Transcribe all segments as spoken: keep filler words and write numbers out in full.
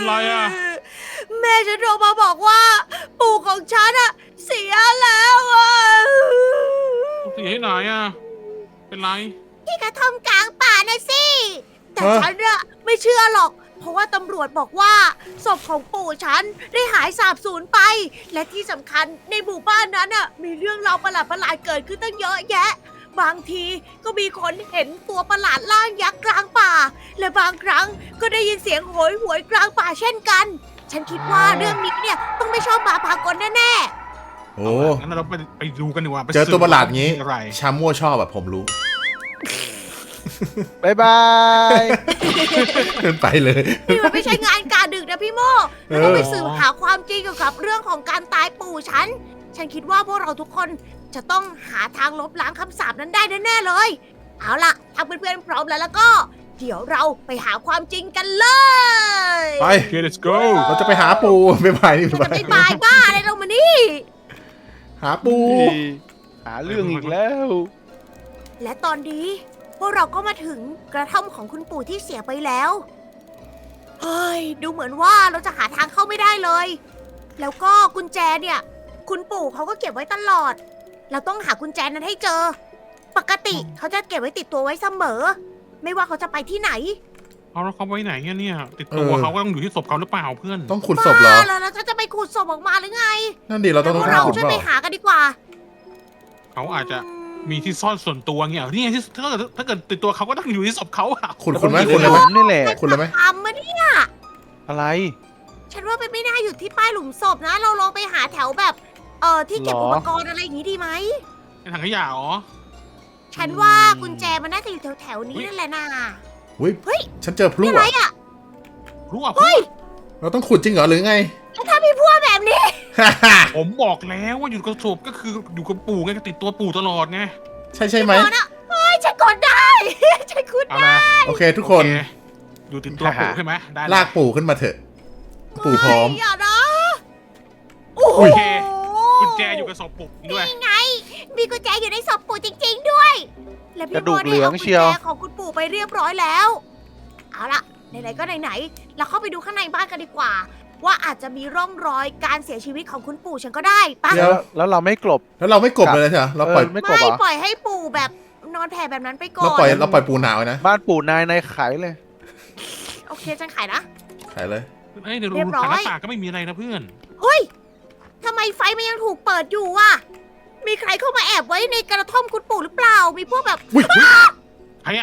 ไรอ่ะแม่ฉันโทรมาบอกว่า ปู่ของฉันอะเสียแล้วอะเสียที่ไหนอ่ะเป็นไรที่กระท่อมกลางป่านะสิแต่ฮะฉันอะไม่เชื่อหรอก เพราะว่าตำรวจบอกว่าศพของปู่ฉันได้หายสาบสูญไป และที่สำคัญในหมู่บ้านนั้นอะมีเรื่องราวประหลาดๆเกิดขึ้นตั้งเยอะแยะ บางทีก็มีคนเห็นตัวประหลาดร่างยักษ์กลางป่า และบางครั้งก็ได้ยินเสียงโหยหวยกลางป่าเช่นกัน ฉันคิดว่าเรื่องนี้เนี่ยต้องไม่ชอบมาพากลแน่โอ้งั้นเราไปไปดูกันดีกว่าไปเจอตัวประหลาดงี้อะไรชามั่วชอบแบบผมรู้บายบายเดินไปเลยๆนี่มันไม่ใช่งานการดึกนะพี่โมเราต้องไปสืบหาความจริงเกี่ยวกับเรื่องของการตายปู่ฉัน ฉันคิดว่าพวกเราทุกคนจะต้องหาทางลบล้างคำสาปนั้นได้แน่ๆเลย เอาล่ะถ้าเพื่อนๆพร้อมแล้วแล้วก็ เดี๋ยวเราไปหาความจริงกันเลยไปโอเค let's go เราจะไปหาปูไปไปนี่เราไปจะไปบายบ้าอะไรเรามานี่หาปูหาเรื่องอีกแล้วและตอนนี้พวกเราก็มาถึงกระท่อมของคุณปู่ที่เสียไปแล้ว เฮ้ย ดูเหมือนว่าเราจะหาทางเข้าไม่ได้เลย แล้วก็กุญแจเนี่ย คุณปู่เขาก็เก็บไว้ตลอด เราต้องหากุญแจนั้นให้เจอ ปกติเขาจะเก็บไว้ติดตัวไว้เสมอ ไม่ว่าเขาจะไปที่ไหนเอาแล้วเขาไว้ไหนอะเนี่ย ติดตัวเขาก็ต้องอยู่ที่ศพเขาหรือเปล่าเพื่อนต้องขุดศพเหรอบ้าแล้วแล้วฉันจะไปขุดศพออกมาหรือไงนั่นดิเราต้องพต้วอก งเราขุดช่วยเปไปล่าหากันดีกว่าเขาอาจจะมีที่ซ่อนส่วนตัวเงี้ยนี่ไงที่ถ้าเกิดถ้าเกิดติดตัวเขาก็ต้องอยู่ที่ศพเขาอะขุดขุดไหมแล้วก็ขุดเลยไหมผมนี่แหละขุดเลยไหมทำมาเนี่ยอะไรฉันว่ามันไม่น่าอยู่ที่ป้ายหลุมศพนะ เราลองไปหาแถวแบบ เอ่อที่เก็บหรออุปกรณ์อะไรอย่างนี้ดีไหมในถังขยะอ๋อฉันว่ากุญแจมันน่าจะอยู่แถวๆนี้นั่นแหละนะอุ้ยเฮ้ยฉันเจอพลุนี่อะไรอ่ะอ่ะรู้อ่ะเฮ้ยเราต้องขุดจริงเหรอหรือไงแล้วถ้ามีพวกแบบนี้ผมบอกแล้วว่าอยู่กับศพก็คืออยู่กับปู่ไงก็ติดตัวปู่ตลอดไงใช่ใช่ไหมก่อนอะเฮ้ย ฉันกดได้ ฉันกดเอาได้ละโอเคทุกคนโอเอยู่ติดตัวปู่ใช่ไหมได้ลากปู่ขึ้นมาเถอะ ปู่พร้อมอย่านะ โอ้โหโอเคกุญแจอยู่กับศพปู่ด้วยนี่ไง มีกุญแจอยู่ในศพปู่จริง ๆ ด้วย และพี่กระดูโมกได้เหลือเอางกุญเชียวแจของคุณปู่ไปเรียบร้อยแล้ว เอาล่ะ ไหนๆก็ไหนๆเราเข้าไปดูข้างในบ้านกันดีกว่า ว่าอาจจะมีร่องรอยการเสียชีวิตของคุณปู่ฉันก็ได้ปะเดี๋ยวแล้วเราไม่กลบแล้วเราไม่กบเลยใช่ไหมเราปล่อยเออไม่กลบไม่เหรอปล่อยให้ปู่แบบนอนแผ่แบบนั้นไปก่อเรานปล่อยเราปล่อยปูหนาวไว้นะบ้านปู่นายนายขายเลยโอเคฉันขายนะขายเลยเอ้ยเดี๋ยวเรียบร้อยทางหน้าต่างก็ไม่มีอะไรนะเพื่อนเฮ้ยทำไมไฟมันยังถูกเปิดอยู่วะมีใครเข้ามาแอบไว้ในกระท่อมคุณปู่หรือเปล่า มีพวกแบบอุ้ยใครอะ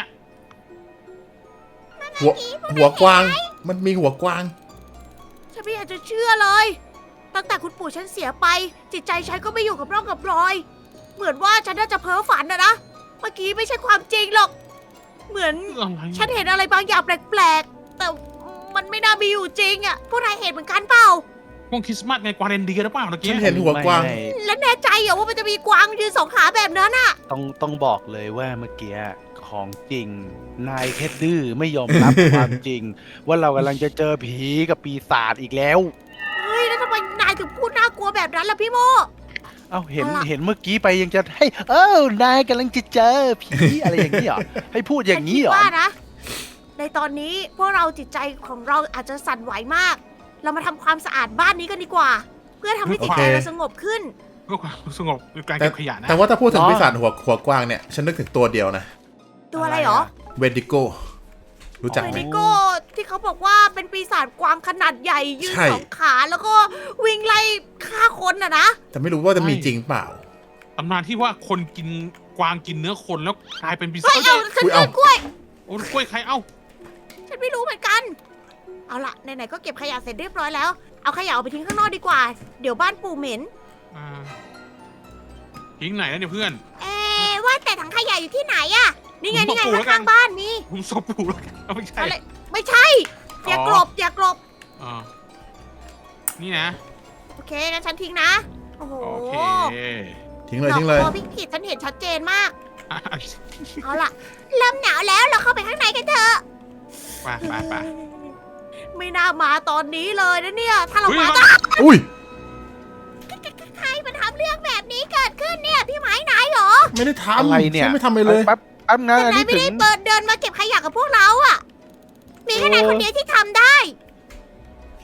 หัวหัวกวาง มันมีหัวกวางฉันไม่อยากจะเชื่อเลย ตั้งแต่คุณปู่ฉันเสียไป จิตใจฉันก็ไม่อยู่กับร่องกับรอย เหมือนว่าฉันน่าจะเพ้อฝันนะนะ เมื่อกี้ไม่ใช่ความจริงหรอก เหมือนเรื่องอะไรฉันเห็นอะไรบางอย่างแปลกๆ แต่มันไม่น่ามีอยู่จริงอะพวกนายเห็นเหมือนกันเปล่าพวกคริสต์มาสไงกวาเรนเดียหรือเปล่าตะฉักี้นเห็นหัวกวางไม่แล้วแน่ใจเหรอว่ามันจะมีกวางยืนสองขาแบบนั้นอะต้องต้องบอกเลยว่าเมื่อกี้ของจริง นายแค่ดื้อไม่ยอมรับ ความจริง ว่าเรากำลังจะเจอผีกับปีศาจอีกแล้วเฮ้ยแล้วทำไมนายถึงพูดน่ากลัวแบบนั้นล่ะพี่โมเอ้าเห็นเอาล่ะเห็นเมื่อกี้ไปยังจะให้ เอ้านายกำลังจะเจอผีอะไรอย่างนี้เหรอ ให้พูดอย่างนี้เหรอฉัคิดว่านะ ในตอนนี้พวกเราจิตใจของเราอาจจะสั่นไหวมาก เรามาทำความสะอาดบ้านนี้กันดีกว่า เพื่อทำให้จิตใจโอเคเราสงบขึ้นเพื่อความสงบในการแต่เก็บขยะนะแต่ว่าถ้าพูดถึงอ๋อปีศาจหัวหัวกวางเนี่ย ฉันนึกถึงตัวเดียวนะตัวอะไรเหรอเวดิโก รู้จักเวไหมนิโก้ที่เขาบอกว่าเป็นปีศาจกวางขนาดใหญ่ยืนใช่สองขาแล้วก็วิ่งไล่ฆ่าคนน่ะนะแต่ไม่รู้ว่าจะมีจริงเปล่าตำนานที่ว่าคนกินกวางกินเนื้อคนแล้วกลายเป็นปีศาเฮ้จยเอาฉันอุ๊ยเจเอาอกล้วยโอ้ยกล้วยใครเอ้าฉันไม่รู้เหมือนกัน เอาล่ะไหนๆก็เก็บขยะเสร็จเรียบร้อยแล้ว เอาขยะออกไปทิ้งข้างนอกดีกว่า เดี๋ยวบ้านปู่เหม็นอ่าทิ้งไหนแล้วเนี่ยเพื่อนเอ๊ะว่าแต่ถังขยะอยู่ที่ไหนอะนี่ไงผมนี่ไงบอกปู่แล้วกันข้างๆบ้านมีผมศพปู่แล้วกันเอาไม่ใช่อะไรไม่ใช่ อย่ากลบอย่ากลบอ่านี่นะโอเคงั้นฉันทิ้งนะ โอ้โหโอเคทิ้งเลยทิ้งเลยดอกบัวพิกผิดฉันเห็นชัดเจนมากอ่ะเอาล่ะ เริ่มหนาวแล้วเราเข้าไปข้างในกันเถอะไปไปไปไม่น่ามาตอนนี้เลยนะเนี่ย ถ้าเราเฮ้ยมามาอุ้ยใครมันทำเรื่องแบบนี้เกิดขึ้นเนี่ย พี่ไม้ไหนเหรอไม่ได้ทำอะไรเนี่ยฉันไม่ทำอะไรเลยแป๊บแป๊บนะแต่อันนายนี้ไม่ถึได้งเปิดเดินมาเก็บขยะกับพวกเราอะมีแค่นายคนเดียวที่ทำได้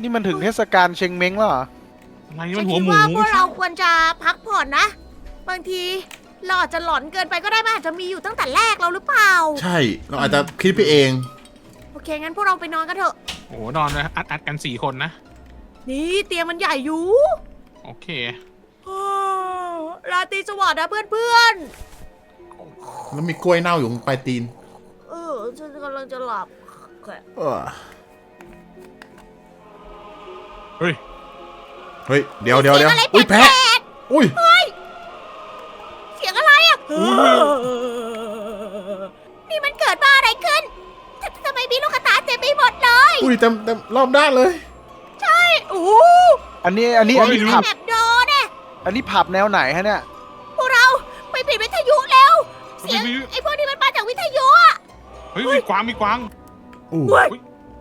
นี่มันถึงเทศกาลเชงเม้งแล้วเหรออะไรนี่ฉัมัน นหัวคิดหมูว่าพวกเราควรจะพักผ่อนนะ บางทีเราอาจจะหลอนเกินไปก็ได้มันอาจจะมีอยู่ตั้งแต่แรกเราหรือเปล่าใช่ เราอาจจะคิดไปเองโอเคงั้นพวกเราไปนอนกันเถอะโอ้โหนอนเลยอัดอัดกันสี่คนนะนี่เตียงมันใหญ่อยู่โอเคอ้าวราตรีสวัสดิ์นะเพื่อนแล้วมีกล้วยเน่าอยู่ตรงปลายตีนๆ เออฉันกำลังจะหลับเออเฮ้ยเฮ้ย เดี๋ยวเดี๋ยวเดี๋ยวสีงอะไรอุ้ยแปลแพะกอุ้ยๆเสียงอะไรอ่ะนี่มันเกิดมาอะไรขึ้นททำไมมีลูกกระตาเต็มไปหมดเลยอุ้ยเต็มเต็มรอบด้านเลยโอ้โหอันนี้อันนี้อันนี้โอ้ยผับแบบโดนเนี่ยอันนี้ผับแนวไหนฮะเนี่ยพวกเราไปปิดวิทยุแล้ว เสียงวิทยุไอ้พวกนี้มันมาจากวิทยุอะเฮ้ยมีกวางมีกวางอู้เฮ้ย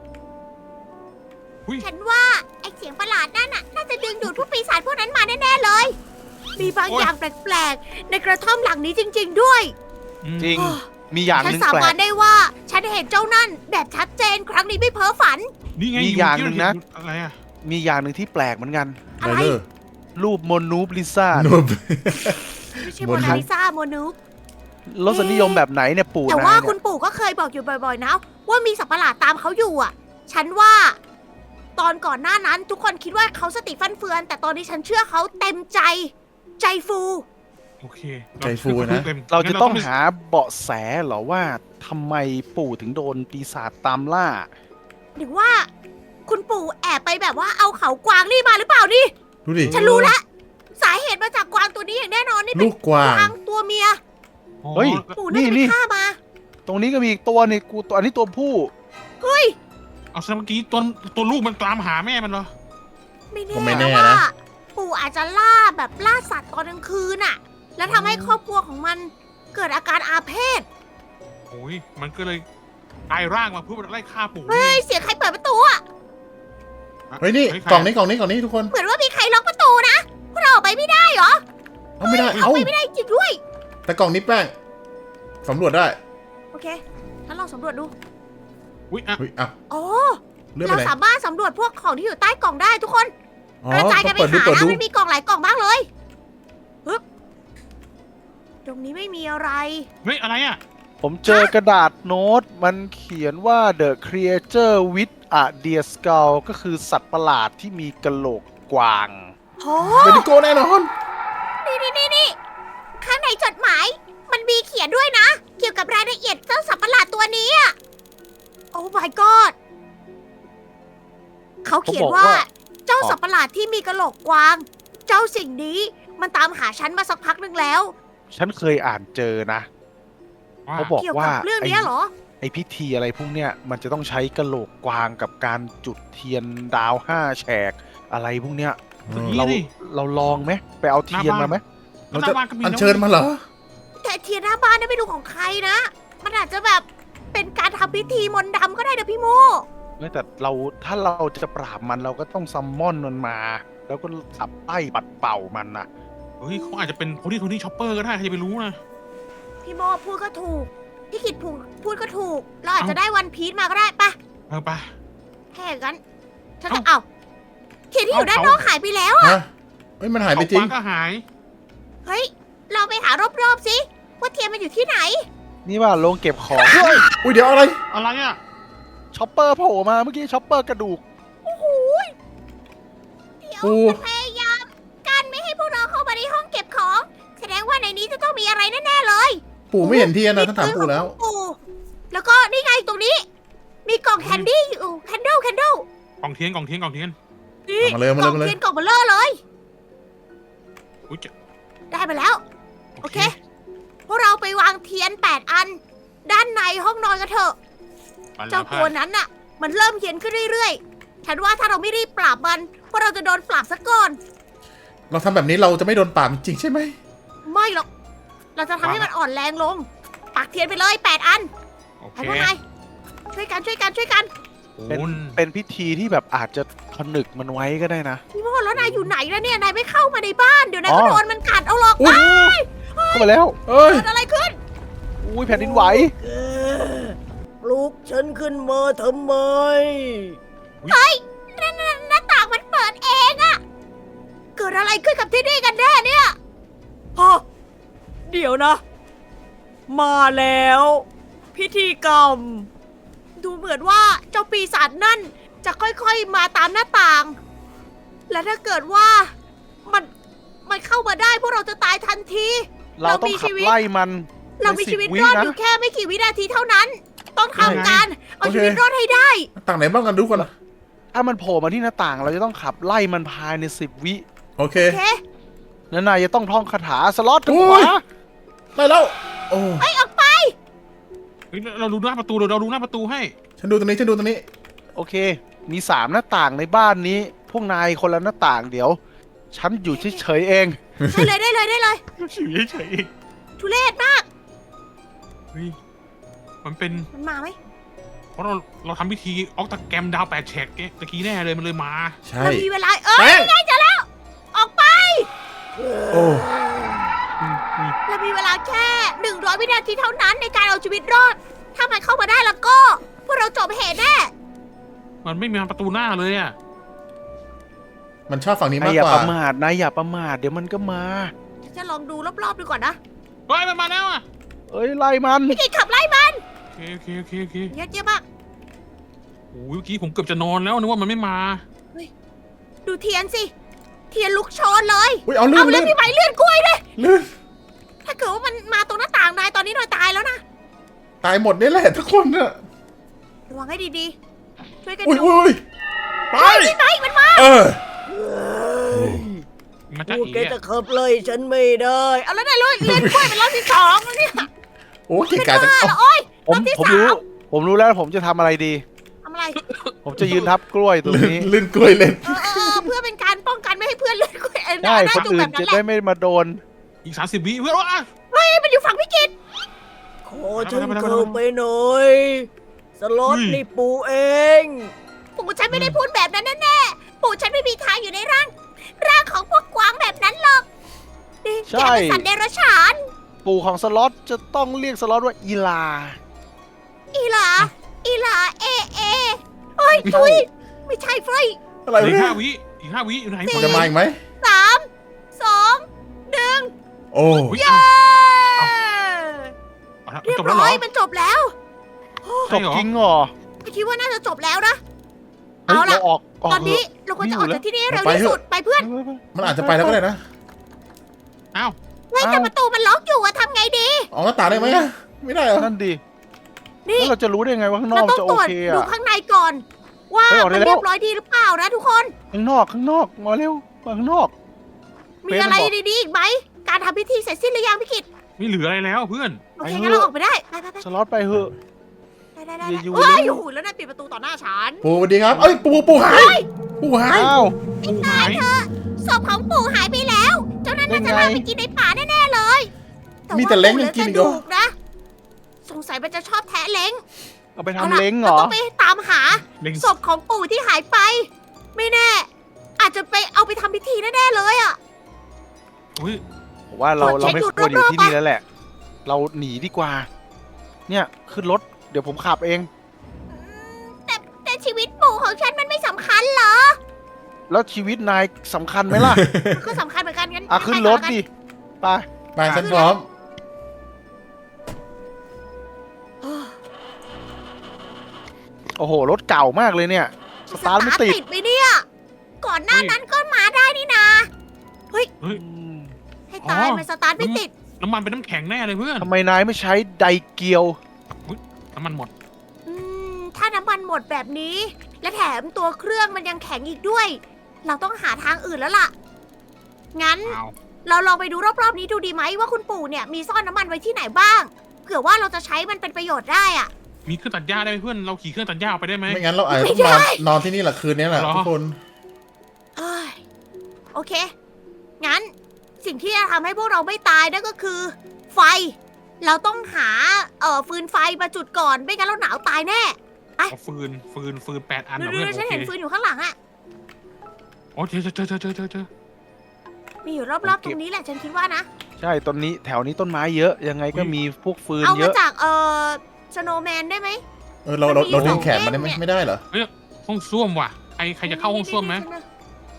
อุ้ยฉันว่าไอ้เสียงประหลาดนั่นน่ะน่าจะดึงดูดพวกปีศาจพวกนั้นมาแน่ๆเลย มีบางอย่างแปลกๆ ในกระท่อมหลังนี้จริง ๆ ด้วยอืมจริง มีอย่างหฉันนึ่งสาแปลบานกได้ว่าฉันเห็นเจ้านั่นแบบชัดเจนครั้งนี้ไม่เพ้อฝันนี่ไงมีอย่างหนึ่งนะอะไรอะมีอย่างหนึ่งที่แปลกเหมือนกันอะไรไรเลอร์รูปโมนูบลิซ่านูบไม่ใช่บโมนนาลิซาโมนุกรสนิยมแบบไหนเนี่ยปู่แต่นายว่าเนี่คุณยปู่ก็เคยบอกอยู่บ่อยๆนะ ว่ามีสัตว์ประหลาดตามเขาอยู่อ่ะ ฉันว่า ตอนก่อนหน้านั้นทุกคนคิดว่าเขาสติฟันเฟือน แต่ตอนนี้ฉันเชื่อเขาเต็มใจ ใจฟูโอเคใจฟูนะเราจะต้องงั้นหาเบาะแสเหรอว่าทำไมปู่ถึงโดนปีศาจตามล่าหรือว่า คุณปู่แอบไปแบบว่าเอาเขากวางนี่มาหรือเปล่านี่ดูดิฉันรู้แล้วสาเหตุมาจากกวางตัวนี้อย่างแน่นอนนี่เป็ลูนกกวางกวางตัวเมียอ๋อเฮ้ยปู่น่าจะนี่ไปฆ่ามาตรงนี้ก็มีอีกตัวนี่กูตัวอันนี้ตัวผู้เฮ้ยเอาซะเมื่อกี้ตัวตัวลูกมันตามหาแม่มันเหรอไม่แน่ก็ไม่แน่ว่านะปู่อาจจะล่าแบบล่าสัตว์ตอนกลางคืนน่ะ แล้วทำให้ครอบครัวของมันเกิดอาการอาเพศโอ้ยมันก็เลยกลายร่างมาเพื่อไล่ฆ่าปู่เฮ้ยเสียงใครเปิดประตูอ่ะเฮ้ยนี่ใครกล่องนี้กล่องนี้กล่องนี้ทุกคนเหมือนว่ามีใครล็อกประตูนะพวกเราออกไปไม่ได้เหรอเอาไม่ได้ออเอากไปไม่ได้จริงด้วยแต่กล่องนี้แป้งสำรวจได้โอเคฉันลองสำรวจดูอุ้ยอ่ะเฮ้ยอ่ะอ๋อเลื่อนไปเราไหนสามารถสำรวจพวกของที่อยู่ใต้กล่องได้ทุกคนอ๋อกระจายกัต้อน งไปเปิดดูหาเปิดนะดูมันมีกล่องหลายกล่องมากเลยฮึบตรงนี้ไม่มีอะไรเฮ้ยอะไรอ่ะผมเจอกระดาษโน้ต มันเขียนว่า the creature with a deer skull ก็คือสัตว์ประหลาดที่มีกระโหลกกวางโอ้เบดิโกแน่นอนนี่นี่นี่นี่ข้างในจดหมาย มันมีเขียนด้วยนะ เกี่ยวกับรายละเอียดเจ้าสัตว์ประหลาดตัวนี้อะโอ้ my god เขาเขียนว่าเขาบอกว่าเจ้าสัตว์ประหลาดที่มีกระโหลกกวาง เจ้าสิ่งนี้มันตามหาฉันมาสักพักหนึ่งแล้วฉันเคยอ่านเจอนะว่าเขาบอกเกี่ยวว่ากับเรื่องเนี้ยเหรอไอพิธีอะไรพวกเนี้ยมันจะต้องใช้กระโหลกกวางกับการจุดเทียนดาวห้าแฉกอะไรพวกเนี้ยนี่เราดิเราลองไหมไปเอาเทียนมาไหมเราจะหน้บ้นก็มีอัญนะเชิญมาเหรอแต่เทียนหน้าบ้านนี่ไม่รู้ของใครนะ มันอาจจะแบบเป็นการทำพิธีมนต์ดำก็ได้นะพี่โมไม่แต่เราถ้าเราจะปราบมันเราก็ต้องซัมมอนมันมา แล้วก็ขับไล่ปัดเป่ามันน่ะเฮ้ยเขาอาจจะเป็นโพนี่โทนี่ช็อปเปอร์ก็ได้ใครจะไปรู้นะพี่โมพูดก็ถูก พี่กิดพูดพูดก็ถูก เราอาจจะเอ้าได้วันพีชมาก็ได้ปะเออไปแค่อย่างนั้นฉันเอ้าจะเอาเทียนที่อยู่เอ้าด้านเขานอกหายไปแล้วอะฮะ เฮ้ยมันหายไปจริงเขกวก็หายเฮ้ย เราไปหารอบๆสิว่าเทียนมันอยู่ที่ไหนนี่ว่าโรงเก็บของอุ้ยเดี๋ยวอะไรอะไรอ่ะช็อปเปอร์โผล่มาเมื่อกี้ช็อปเปอร์กระดูกโอ้โหยเดี๋ยวปูมันพยายามกันไม่ให้พวกเราเข้ามาในห้องเก็บของ แสดงว่าในนี้จะต้องมีอะไรแน่ๆเลยปู่ไม่เห็นเทียนนะท่านถามปู่แล้วมีปืนของปู่แล้วก็นี่ไงตรงนี้ มีกล่องแคนดี้อยู่แคนเดิลแคนเดิลกล่องเทียนกล่องเทียนกล่องเทียนนี่เอามาเลยเอามาเลยกล่องมาเลยเทียนกล่องเบลเลอร์เลยอุ้ยเจะได้มาแล้ว โอเค พวกเราไปวางเทียนแปดอัน ด้านในห้องนอนกันเถอะไปแล้เจ้าตัวนั้นน่ะ มันเริ่มเฮี้ยนขึ้นเรื่อยๆ ฉันว่าถ้าเราไม่รีบปราบมันพวกเราจะโดนปราบซะก่อนเราทำแบบนี้เราจะไม่โดนปราบจริงใช่ไหมไม่หรอก เราจะทำให้มันอ่อนแรงลง ปักเทียนไปเลยแปดอันโอเคให้พวกนายช่วยกันช่วยกันช่วยกันเป็นโอ้ยเป็นพิธีที่แบบอาจจะผนึกมันไว้ก็ได้นะพี่โมดแล้วนายอยู่ไหนแล้วเนี่ย นายไม่เข้ามาในบ้าน เดี๋ยวนายก็อ๋อโดนมันกัดเอาหรอกอุ๊ยเข้ามาแล้วเอ้ยเกิดอะไรขึ้นอุ้ยแผ่นดินไหวปลุกฉันขึ้นมาทำไมอุ๊ยนั่นนั่นนั่นดอะไรขึ้นกับที่นี่กันแน่เนี่ยฮะเดี๋ยวนะ มาแล้ว พิธีกรรม ดูเหมือนว่าเจ้าปีศาจนั่นจะค่อยๆมาตามหน้าต่าง และถ้าเกิดว่ามันมันเข้ามาได้พวกเราจะตายทันทีเราต้องขับไล่มันเรามีชีวิตรอดอยู่นะแค่ไม่กี่วินาทีเท่านั้น ต้องทำการเอาโอเคชีวิตรอดให้ได้ต่างไหนบ้างกันทุกคนถ้ามันโผล่มาที่หน้าต่าง เราจะต้องขับไล่มันภายในสิบวิโอเคโอเคแล้วนายจะต้องท่องคาถาสล็อตทางโอ้ขวายได้แล้ว โอ้ไปออกไปเฮ้ยเราดูหน้าประตูเราเราดูหน้าประตูให้ฉันดูตรงนี้ฉันดูตรงนี้โอเค มีสามหน้าต่างในบ้านนี้ พวกนายคนละหน้าต่างเดี๋ยว ฉันอยู่เฉยๆเองได้เลยได้เลยได้เลยอยู่เฉยทุเรศมากๆเฮ้ยมันเป็นมันมาไหมเพราะเราเราทำพิธีออกตะแกรมดาวแปดแฉกตะกี้แน่เลยมันเลยมาใช่เรามีเวลาเอ้แป้ยงไงเจะแล้ว ออกไปโอ้อืมอืมเรามีเวลาแค่หนึ่งร้อยวินาทีเท่านั้นในการเอาชีวิตรอด ถ้ามันเข้ามาได้แล้วก็ พวกเราจบเหตุแน่มันไม่มีประตูหน้าเลยอ่ะมันชอบฝั่งนี้าย กนามอย่ากว่าประมาทนายอย่าประมาทเดี๋ยวมันก็มาฉันจะลองดูรอบๆดูก่อนนะเฮ้ยมันมาแล้วอ่ะเอ้ยไล่มันพี่กิตขับไล่มันโอเคโอเคโอเคโอเคเยอะเยอะมากโอ้ยเมื่อกี้ผมเกือบจะนอนแล้วนึกว่ามันไม่มาดูเทียนสิ เทียนลุกโชนเลยอุ้ยเอาลื่เอานเลืลื่อดนพี่ไหมเลือดกล้วยด้วยลื่นถ้าเกิดว่ามันมาตรงหน้าต่างนายตอนนี้นายตายแล้วนะตายหมดนี่แหละทุกคนน่ะระวังให้ดีๆ ช่วยกันอุ้ยดูอุ้ยไปพี่ไหมมันมาเออมันจะพวกอีแกกจะขับไล่ฉันไม่ได้ เอาแล้วนายเลือดเลือดกล้วยเป็นรอบที่สองแล้วเนี่ยโอ้เก่งกาจจังบ้าเอาเหรอโอ๊ยผมรอบที่ผมสามรู้ ผมรู้แล้วผมจะทำอะไรดีทำอะไรผมจะยืนทับกล้วยตรงลื่นนี้ลื่นกล้วยเล่นเออเออเออเพื่อเป็นการป้องกันไม่ให้เพื่อนเลือดกล้วยเออได้ได้คนจุกอื่แบนบนั้จะนแหได้ละไม่มาโดนอีกสามสิบวิเพื่อนอ่ะเฮ้ยมันอยู่ฝั่งพี่กิตขอฉันเข้าไปหน่อยสล็อตนี่ปูเองปู่ฉันไม่ได้พูดแบบนั้นแน่ๆปู่ฉันไม่มีทางอยู่ในร่าง ร่างของพวกกวางแบบนั้นหรอกนี่ใช่แกเป็นสัตว์เดรัจฉานปู่ของสล็อตจะต้องเรียกสล็อตว่าอีลาอีหลา อีหลา เอ เอเฮ้ยทุยไม่ใช่เฟยอะไรอีกเนี่ห้าย วิอีกห้าวิอยู่ไหนมันจะมาอีกไหมสามสองหนึ่งโอ้อุ๊ยเย้เอาละเรียจบบแล้วเหรร้ออยมันจบแล้วจบจริงเหรอไม่คิดว่าน่าจะจบแล้วนะเฮ้ยเอาล่ะเราออกออกตอนนี้เถเราควรจะออกจากที่นี่ให้เร็วไปที่เถอะสุดไปเพื่อนอะมันอาจจะไปแล้วก็ได้นะอ้าวเฮ้ยแต่ประตูมันล็อกอยู่อะทำไงดีออกหน้าต่างได้ไหมอะไม่ได้เหรอนั่นดินี่แล้วเราจะรู้ได้ไงว่าข้างนอเรากต้องจะตโอรวจเคดูอะข้างในก่อน ว่าเฮ้ยออกได้มันแล้วเรียบร้อยดีหรือเปล่านะทุกคนข้างนอกข้างนอกมาเร็วมาข้างนอกมีเฟซมันอะไรบอกดีๆอีกไหม การทำพิธีเสร็จสิ้นหรือยังพี่กิตไม่เหลืออะไรแล้วเพื่อนโอเคไปเถอะงั้นเราออกไปได้ ไปไปไปสล็อตไปเหอะได้ได้ได้อย่าอยู่เฮ้ยเลยโอ้โหแล้วนายปิดประตูต่อหน้าฉันปูสวัสดีครับ เอ้ย ปูปูหาย ปูหายอ้าวปูหายศพของปู่หายไปแล้ว เจ้านั้นน่าจะได้ไงลากไปกินในป่าแน่ๆเลยมีแต่เล้งว่ายังกินอีกเหเหรลือกระดูนะ สงสัยมันจะชอบแทะเล้งเอาไปอาทำล่ะเล้งเหรเราอต้องไปตามหาเล็งศพของปู่ที่หายไป ไม่แน่ อาจจะไปเอาไปทำพิธีแน่ๆเลยอ่ะอุ้ยผมว่าเรากดเช็เราคไม่ดูควรอยู่รอบๆที่นี่ปะแล้วแหละ เราหนีดีกว่า เนี่ยขึ้นรถเดี๋ยวผมขับเองแต่แต่ชีวิตปู่ของฉันมันไม่สำคัญเหรอแล้วชีวิตนายสำคัญไหมล่ะมันก็สำคัญเหมือนกันงั้นอ่ะขึ้นรถดิไปไปฉันพร้อมโอ้โหรถเก่ามากเลยเนี่ยสสตาร์ทไม่ติดติดไปเนี่ย ก่อนหน้านั้นก็มาได้นี่นาเฮ้ยอืมให้ตายอ๋อมันสตาร์ทไม่ติดน้ำมันเป็นน้ำแข็งแน่เลยเพื่อนทำไมนายไม่ใช้ไดเกียวน้ำมันหมดอืม ถ้าน้ำมันหมดแบบนี้ และแถมตัวเครื่องมันยังแข็งอีกด้วย เราต้องหาทางอื่นแล้วล่ะ งั้นอ้าวเราลองไปดูรอบๆนี้ดูดีไหมว่าคุณปู่เนี่ยมีซ่อนน้ำมันไว้ที่ไหนบ้าง เผื่อว่าเราจะใช้มันเป็นประโยชน์ได้อะมีเครื่องตัดหญ้าได้ไหมเพื่อนเราขี่เครื่องตัดหญ้าไปได้ไหมไม่งั้นเราอาจจะต้องนอนนอนที่นี่แหละคืนนี้แหละเหรอทุกคนเอ้ยโอเค งั้นสิ่งที่จะทำให้พวกเราไม่ตายนั่นก็คือ ไฟ เราต้องหาเอ่อฟืนไฟมาจุดก่อน ไม่งั้นเราหนาวตายแน่เอาฟืนฟืนฟืนแปดอันดูนะดูเพื่อนฉันโอเคเห็นฟืนอยู่ข้างหลังอะโอ้เจอเจอเจอเจอเจอเจอมีอยู่รอบๆตรงนี้แหละฉันคิดว่านะใช่ต้นนี้แถวนี้ต้นไม้เยอะยังไงก็มีพวกฟืนเอาเยมาอะจากเอ่อสโนว์แมนได้ไหมเออเราเราเรามันมีดึงแขนสองมาได้ไหมเล่มเนี่ยไม่ได้เหรอห้องส้วมว่ะใครใครจะเข้าห้องส้วมไหม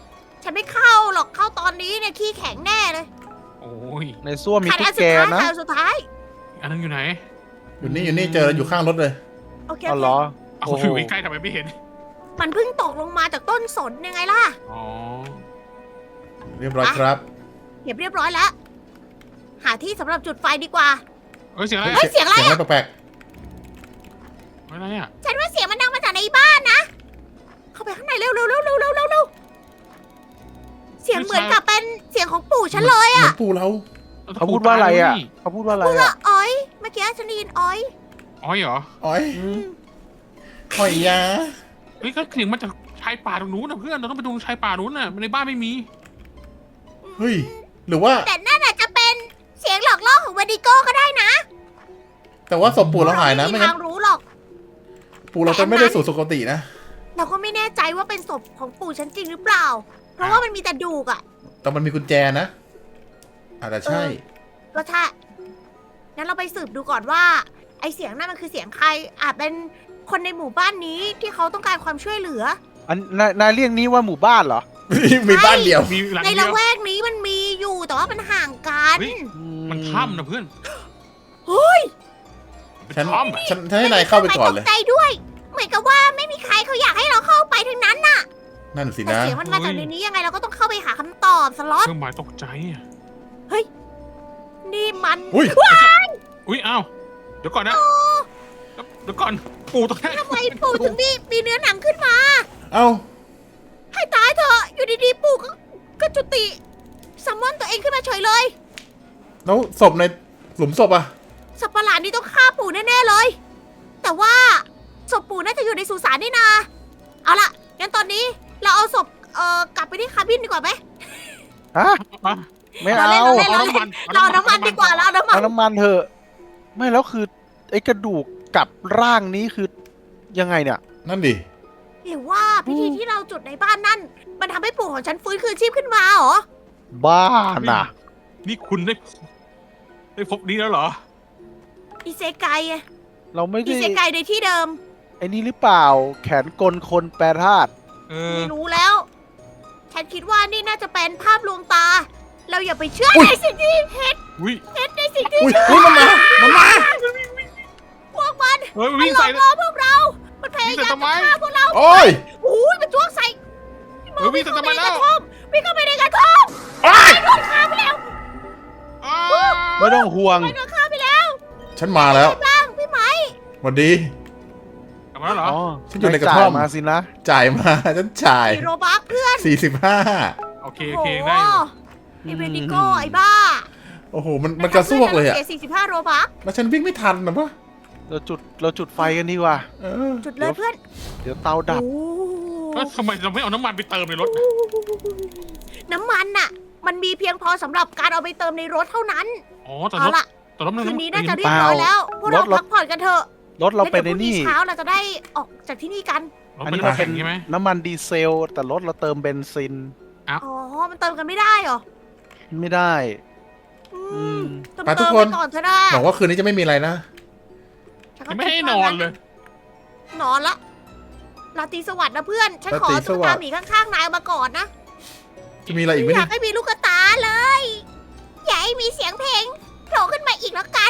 ฉันไม่เข้าหรอกเข้าตอนนี้เนี่ยขี้แข็งแน่เลยโอ้ยในส้วมมีขาดตุ๊อักนสุแกดท้ายนะขาดอันสุดท้ายอันนั้นอยู่ไหนอยู่นี่อยู่นี่เจออยู่ข้างรถเลยโอเคเอาเหรอเอาโอ้โหอยู่ใกล้ๆทำไมไม่เห็นมันเพิ่งตกลงมาจากต้นสนยังไงล่ะอ๋อเรียบร้อยครับเก็บเรียบร้อยแล้ว หาที่สำหรับจุดไฟดีกว่าเอ้ยเสียงอะไรเฮ้ย เสียงอะไรเสียงอะอะไรแปลกอะไรอ่ะฉันว่าเสียงมันดังมาจากในบ้านนะ เข้าไปข้างในเร็วเร็วเร็วเร็วเร็วเร็วเร็วเสียงเหมือนกับเป็นเสียงของปู่ฉันเลยๆเหมือะอนปูเราเขาพูดว่าอะไรอ่ะเขาพูดว่าอะไรพูดว่าอ่ะอ้อย เมื่อกี้ฉันได้ยินอ้อยอ๋อเหรออ๋อยหอยยาเฮ้ยก็เสียงมาจากชายป่าตรงนู้นนะเพื่อนเราต้องไปดูชายป่านู้นน่ะในบ้านไม่มีเฮ้ยหรือว่าแต่นั่นอาจจะเป็นเสียงหลอกล่อของวาดิโก้ก็ได้นะแต่ว่าศพปูเราหายนะไม่ไม่มีงั้ทาน งรู้หรอกปูเราจะไม่ได้สู่สุคตินะเราก็ไม่แน่ใจว่าเป็นศพของปู่ฉันจริงหรือเปล่า เพราะว่ามันมีแต่ดูกอะแต่มันมีกุญแจนะอาจจะใช่ก็ถ้างั้นเราไปสืบดูก่อนว่า ไอเสียงนั่นมันคือเสียงใคร อาจเป็นคนในหมู่บ้านนี้ที่เขาต้องการความช่วยเหลืออันนายนายเรียกนี้ว่าหมู่บ้านเหรอมีบ้านเดียวมีหลังในเดีละยวแวกนี้มันมีอยู่แต่ว่ามันห่างกันเฮ้ย มันถ้ำนะเพื่อนเฮ้ยเป็นฉันถ้ำอะฉันฉันให้นายเข้าไปก่อนเลยตกใจด้วย เหมือนกับว่าไม่มีใครเขาอยากให้เราเข้าไปทั้งนั้นน่ะนั่นสิแต่นะเสียงมันมาจากในนี้ยังไงเราก็ต้องเข้าไปหาคำตอบสล็อตเครื่องหมายตกใจอ่ะนี่มันอุ้ยอุ้ยอ้าวเดี๋ยวก่อนนะเดี๋ยวก่อนปู่ตรงนี้ทำไมปู่ถึงมีมีเนื้อหนังขึ้นมาเอ้าให้ตายเถอะอยู่ดีๆปู่ก็ก็จุติซัมมอนตัวเองขึ้นมาเฉยเลยแล้วศพในหลุมศพอะสัตว์ประหลาดนี่ต้องฆ่าปู่แน่ๆเลย แต่ว่าศพปู่น่าจะอยู่ในสุสานนี่นา เอาล่ะงั้นตอนนี้เราเอาศพเอ่อกลับไปที่คาบินดีกว่าไหมฮะอ่ะไม่เราเอาเล่นเราเล่นเอาน้ำมันเราเอาน้ำมันดีกว่าเราเอาน้ำมันเอาน้ำมันเถอะ ไม่แล้วคือไอ้กระดูกกับร่างนี้คือยังไงเนี่ยนั่นดิหรือว่าพิธีที่เราจุดในบ้านนั่น มันทำให้ปู่ของฉันฟื้นคืนชีพขึ้นมาเหรอบ้าน่ะนี่คุณได้ได้พบนี้แล้วเหรออิเซไกอะเราไม่อิได้เซไกในที่เดิมไอ้นี่หรือเปล่า แขนกลคนแปรธาตุเออไม่รู้แล้ว ฉันคิดว่านี่น่าจะเป็นภาพลวงตา เราอย่าไปเชื่อในสิ่งที่เห็นอุ้ยเห็นในสิ่งที่อุ้ยอุ้ยมันมา มันมาพวกมันเฮ้ยมันวิ่งหลอใส่กล่อพวกเรา มันพยายามวิ่งใส่จะทำไมฆ่าพวกเราโอ้ยโอ้ยมันจ้วงใส่เฮ้ยวิ่งใส่ทำไมในแล้กวระท่อมวิ่งเข้าไปในกระท่อมโอ้ยโดนฆ่าไปแล้วอ้าไม่ต้องห่วงไปโดนฆ่าไปแล้วฉันมาแล้วบ้างพี่ไหมสวัสดีกลับมาแล้วเหรออ๋อฉันอยู่ในกระท่อมจ่ายมาสินะจ่ายมา ฉันจ่ายมีโรบักเพื่อนสี่สิบห้าโอเคโอเคได้อยู่ไอเวนิโก้ไอ้บ้าโอ้โห มันมันกระซวกเลยอะเสียสี่สิบห้าโรบักแล้วฉันวิ่งไม่ทันนะปะเราจุดเราจุดไฟกันดีกว่าเออจุดเลยเพื่อนเดี๋ยวเตาดับโอ้เอ้ยทำไมเราไม่เอาน้ำมันไปเติมในรถน้ำมันน่ะ มันมีเพียงพอสำหรับการเอาไปเติมในรถเท่านั้นอ๋อแต่เอารถล่ะแต่รถมันคืนนี้น่าำจะเรียบร้อยแล้ว พวกเรารถรถพักผ่อนกันเถอะรถเราเป็นแล้วในดี๋ยวพรุ่งนี่เช้าเราจะได้ออกจากที่นี่กันรถอันเป็นี้นมันน้ำเป็แข็นงใช่ไหมน้ำมันดีเซล แต่รถเราเติมเบนซินอ๋อ มันเติมกันไม่ได้เหรอไม่ได้อือืมมเติมไปทุกเติมคไปนก่อนเถอะนะบอกว่าคืนนี้จะไม่มีอะไรนะฉัก็ยังไม่ให้คิดนว่าอนเลยนอนละราตรีสวัสดิ์นะเพื่อน ฉันขอราตรีสตุ๊กวัตาสดิ์หมีข้างๆนายเอามาก่อนนะจะมีอะไรอีกไหมอยาเนี่กยให้มีลูกตาเลย อย่าให้มีเสียงเพลงโผล่ขึ้นมาอีกแล้วกัน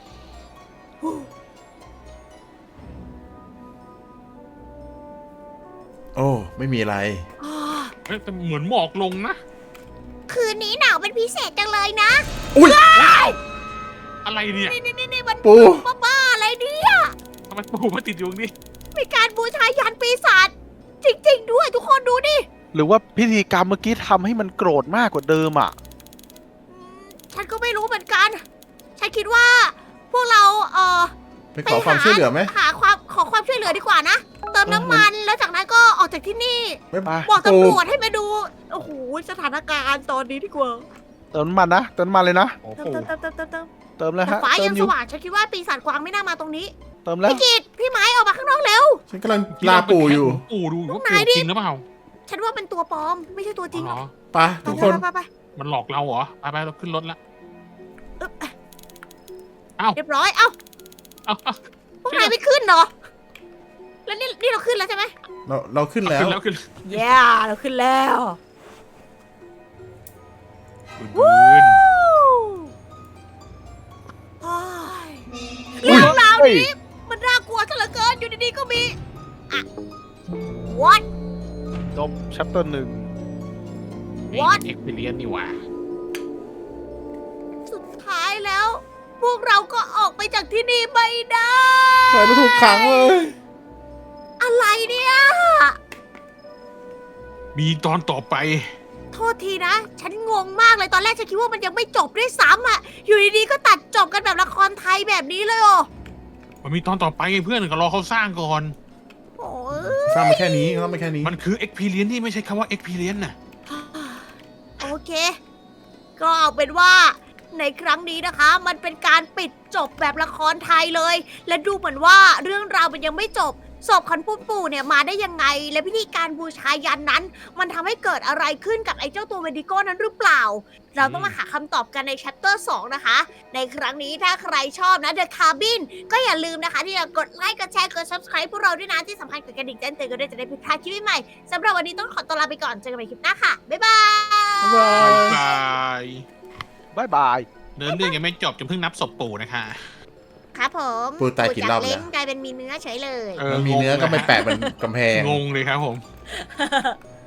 โอ้ ไม่มีอะไรอ่าเอ้ยแต่เหมือนหมอกลงนะคืนนี้หนาวเป็นพิเศษจังเลยนะอุ้ยอะไรเนี่ยนี่นี่นี่นี่มันปูบ้าๆอะไรเนี่ยทำไมปู่มาติดอยู่ตรงนี้มีการบูชายันปีศาจจริง ๆ ด้วยทุกคนดูดิหรือว่าพิธีกรรมเมื่อกี้ทำให้มันโกรธมากกว่าเดิมอ่ะฉันก็ไม่รู้เหมือนกัน ฉันคิดว่า พวกเราเอ่อไปขอความช่วยเหลือไหมหาความขอความช่วยเหลือดีกว่านะ เติมน้ำมันแล้วจากนั้นก็ออกจากที่นี่ไม่ไปบอกปูตำรวจให้มาดู โอ้โหสถานการณ์ตอนนี้ดีกว่าเติมน้ำมันนะเติมน้ำมันเลยนะโอ้เติมปู่เติมเติมเติมเติมเติมแล้วแต่ฮะฟ้าเติยัมงอสยู่ว่างฉันคิดว่าปีศาจกวางไม่น่ามาตรงนี้เติมแล้วพี่กิตพี่ไม้ออกมาข้างนอกเร็วฉันกำลังลาปู่อยู่ปู่ดูอยู่ว่าไหนปู่ดิจริงหรือเปล่าฉันว่าเป็นตัวปลอม ไม่ใช่ตัวจริงอ๋อเหรอไปทุกคนไปไปไปมันหลอกเราเหรอไปไปเราขึ้นรถละเอ๊ะเอ้าเรียบร้อย เอ้าเอาเอาพวกนายไม่ขึ้นเหรอ แล้วนี่นี่เราขึ้นแล้วใช่ไหมเราเราขึ้นแล้วขึ้นแล้วขึ้นเย้เราขึ้นแล้วบืนโอ้ยเรื่องราวนี้มันน่ากลัวซะเหลือเกินอยู่ดีๆก็มีอะ what จบชัปเตอร์หนึ่ง What? เอ็กเพรียนนี่หว่าสุดท้ายแล้ว พวกเราก็ออกไปจากที่นี่ไม่ได้ใครไม่ถูกขังเลยอะไรเนี่ยมีตอนต่อไปโทษทีนะ ฉันงงมากเลยตอนแรกฉันคิดว่ามันยังไม่จบด้วยซ้ำอ่ะ อยู่ดีๆก็ตัดจบกันแบบละครไทยแบบนี้เลยอ๋อมันมีตอนต่อไปไงเพื่อนก็รอเขาสร้างก่อนโอ้ยสร้างมาแค่นี้สร้างมาแค่นี้มันคือเอ็กเพรียนที่ไม่ใช่คำว่าเอ็กเพรียนน่ะโอเค ก็เอาเป็นว่าในครั้งนี้นะคะ มันเป็นการปิดจบแบบละครไทยเลย และดูเหมือนว่าเรื่องราวมันยังไม่จบศพของปู่ปู่เนี่ยมาได้ยังไง และพิธีการบูชายันนั้น มันทำให้เกิดอะไรขึ้นกับไอ้เจ้าตัวเวนดิโก้นั้นหรือเปล่า เราต้องมาหาคำตอบกันในแชปเตอร์สองนะคะ ในครั้งนี้ถ้าใครชอบนะ The Cabin ก็อย่าลืมนะคะ ที่จะกดไลค์กดแชร์กด subscribe พวกเราด้วยนะที่สำคัญกดกระดิ่งแจ้งเตือนกันด้วยจะได้ไม่พลาดคลิปใหม่ๆสำหรับวันนี้ต้องขอตัวลาไปก่อนเจอกันใหม่คลิปหน้าค่ะบ๊ายบายบ๊ายบายบายบายบายเดินเรื่องยังไม่จบจนเพิ่งนับศพปู่นะคะครับผมปู่ตายกี่รอบแล้วปู่จากเล้งกลายเป็นมีเนื้อเฉยเลยเออมันมีเนื้อก็ไม่แปะบนกำแพงงงเลยครับผม